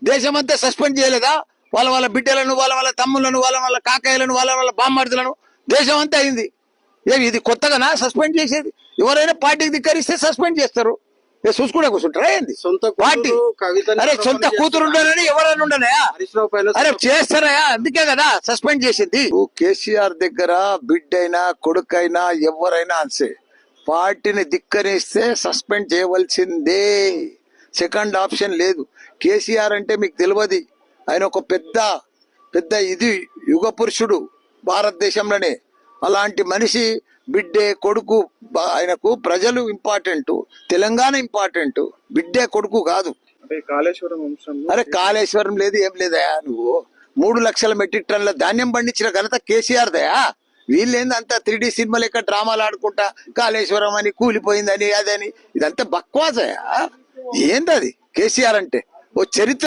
దేశమంతా సస్పెండ్ చేయలేదా? వాళ్ళ వాళ్ళ బిడ్డలను, వాళ్ళ వాళ్ళ తమ్ములను, వాళ్ళ వాళ్ళ కాకాయలను, వాళ్ళ వాళ్ళ బామ్మర్దులను దేశం అంతా అయింది. ఇది కొత్తగానా సస్పెండ్ చేసేది? ఎవరైనా పార్టీకి ధిక్కరిస్తే సస్పెండ్ చేస్తారు. చూసుకుంటే కూర్చుంటారా ఏంది? సొంత పార్టీ అరే సొంత కూతురు ఉండాలని ఎవరైనా ఉండనయా? అరే చేస్తారయా? అందుకే కదా సస్పెండ్ చేసింది. కేసీఆర్ దగ్గర బిడ్డైనా కొడుకైనా ఎవరైనా అంతే, పార్టీని ధిక్కరిస్తే సస్పెండ్ చేయవలసిందే. సెకండ్ ఆప్షన్ లేదు. కేసీఆర్ అంటే మీకు తెలియదు, ఆయన ఒక పెద్ద పెద్ద యుగ పురుషుడు భారతదేశంలోనే. అలాంటి మనిషి బిడ్డే కొడుకు, ఆయనకు ప్రజలు ఇంపార్టెంట్, తెలంగాణ ఇంపార్టెంట్, బిడ్డే కొడుకు కాదు. అరే కాళేశ్వరం లేదు, ఏం లేదయా? నువ్వు 3 లక్షల మెట్రిక్ టన్నుల ధాన్యం పండించిన ఘనత కేసీఆర్ దయా. వీళ్ళేంది అంతా 3D సినిమా లెక్క డ్రామాలు ఆడుకుంటా కాళేశ్వరం అని, కూలిపోయిందని, అదని, ఇదంతా బక్వాసయా. ఏందది కేసీఆర్ అంటే? ఓ చరిత్ర